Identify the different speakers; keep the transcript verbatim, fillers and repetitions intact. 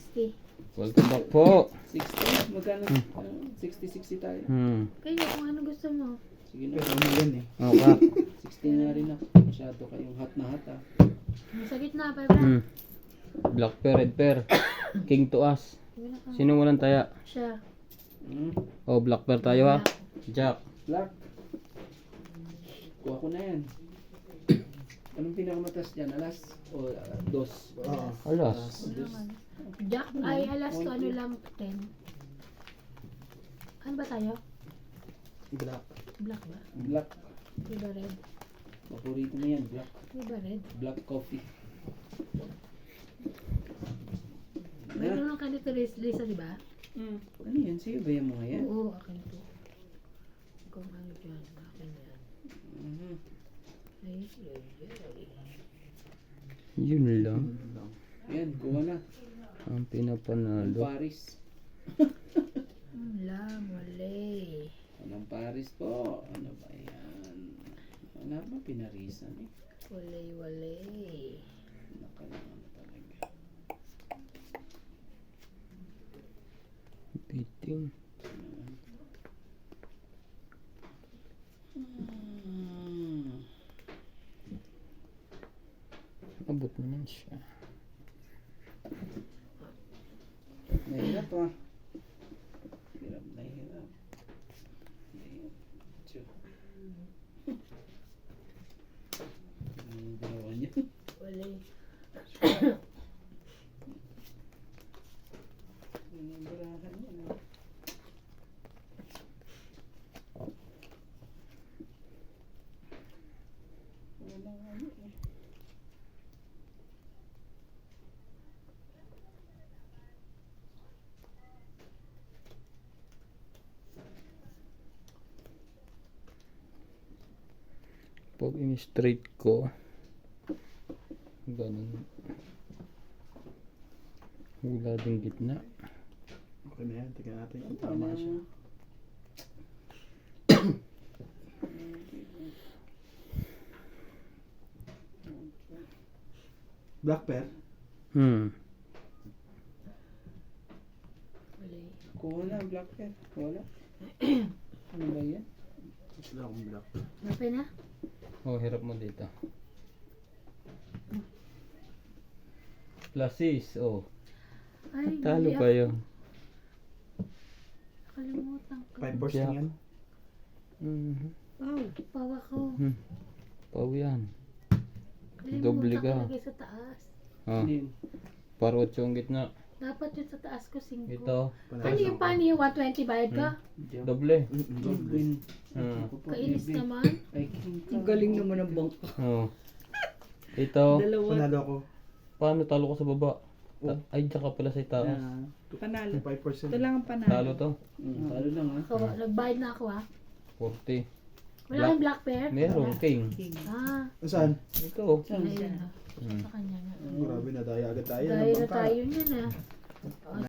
Speaker 1: sixty.
Speaker 2: Welcome back po.
Speaker 3: sixty? Magkano? Uh, sixty sixty tayo.
Speaker 2: Hmm.
Speaker 1: Kayo, kung ano gusto mo.
Speaker 3: Sige na.
Speaker 4: Pero ano yan eh.
Speaker 2: Okay.
Speaker 3: sixty na rin ako. Masyado kayong hot na hot ah.
Speaker 1: Sa gitna, pa bra.
Speaker 2: Hmm. Black pair, red pair. King to us. Sino walang taya?
Speaker 1: Siya.
Speaker 3: Hmm?
Speaker 2: Oh, black pair tayo ha. Jack.
Speaker 3: Black. Kuha ko na yan. Anong pinakamataas dyan? Alas? O uh, dos?
Speaker 4: Oo.
Speaker 2: Alas.
Speaker 3: Dos.
Speaker 1: Jack, ay alas to ano lang, ten. Ano ba tayo?
Speaker 4: Black.
Speaker 1: Black ba?
Speaker 3: Black.
Speaker 1: Di ba red?
Speaker 3: Paborito mo yan. Black.
Speaker 1: Di ba red?
Speaker 3: Black coffee.
Speaker 1: Meron lang kanito Lisa, di ba?
Speaker 3: Hmm. Ano yan? Sa'yo ba yung mga yan?
Speaker 1: Oo, akin to. Kung ano dyan, akin yan.
Speaker 3: Mhm.
Speaker 1: Ay, ay, ay.
Speaker 2: Yun lang.
Speaker 3: Yan, kuha na.
Speaker 2: Ang
Speaker 3: Ang
Speaker 2: pinapanalo.
Speaker 3: Paris.
Speaker 1: Wala, mali.
Speaker 3: Anong Paris po? Ano ba yan? Wala ba pinarisan eh?
Speaker 1: Wala, wala.
Speaker 3: Nakalaman na talaga.
Speaker 2: Biting.
Speaker 3: Hmm.
Speaker 2: Abot naman siya.
Speaker 3: Nahirap ah. Hirap na hirap. Nahirap. Tiyo. Ang dalawa niya.
Speaker 1: Wala.
Speaker 3: Binibirahan niya na. Wala nga niya eh.
Speaker 2: Pag in-straight ko, ganun. Wala din gitna.
Speaker 4: Okay na yan. Tignan natin kung tama siya. Black pair?
Speaker 2: Hmm.
Speaker 1: Wala.
Speaker 3: Kuha na, black pen. Wala. Ano ba yan?
Speaker 4: Wala akong black.
Speaker 1: Napay na?
Speaker 2: Oh, hirap mo dito. Plasis, oh.
Speaker 1: Ay,
Speaker 2: Talo
Speaker 1: mali
Speaker 2: pa
Speaker 1: ako.
Speaker 2: yun.
Speaker 1: Nakalimutan ko.
Speaker 4: Five fours
Speaker 2: Yeah.
Speaker 4: lang yan.
Speaker 2: Mhm.
Speaker 1: Wow, pawa ko.
Speaker 2: Hmm. Pau yan.
Speaker 1: Kalimutan
Speaker 2: Doble
Speaker 1: ko
Speaker 2: ka.
Speaker 1: lagay sa taas.
Speaker 2: Ah,
Speaker 3: Ano yun?
Speaker 2: para otso ang gitna.
Speaker 1: Dapat yun sa taas ko, singko.
Speaker 2: Ito,
Speaker 1: Ano yung paano yung one twenty bayad ka?
Speaker 2: doble.
Speaker 3: Goblin.
Speaker 2: Ah.
Speaker 1: Kainis naman.
Speaker 3: Ay, king ka.
Speaker 5: Ang galing naman ng bangka.
Speaker 2: Oh. Ito,
Speaker 5: Dalawa.
Speaker 4: Panalo ako.
Speaker 2: paano talo ko sa baba? Ta- Ay, tsaka pala sa itaas.
Speaker 5: Ah, panalo.
Speaker 4: Five percent.
Speaker 5: Ito lang ang panalo.
Speaker 2: Talo to.
Speaker 3: Mm, talo lang ah.
Speaker 1: So, nagbayad na ako ah.
Speaker 2: forty.
Speaker 1: Wala kang black pair?
Speaker 2: Meron, king.
Speaker 5: King.
Speaker 1: Ah,
Speaker 4: Saan?
Speaker 2: Ito.
Speaker 1: ayun ah.
Speaker 2: Hmm.
Speaker 1: Sa kanya nga.
Speaker 4: Grabe na tayo agad tayo. ng
Speaker 1: Dahil na
Speaker 4: bangka.
Speaker 1: tayo niyan ah.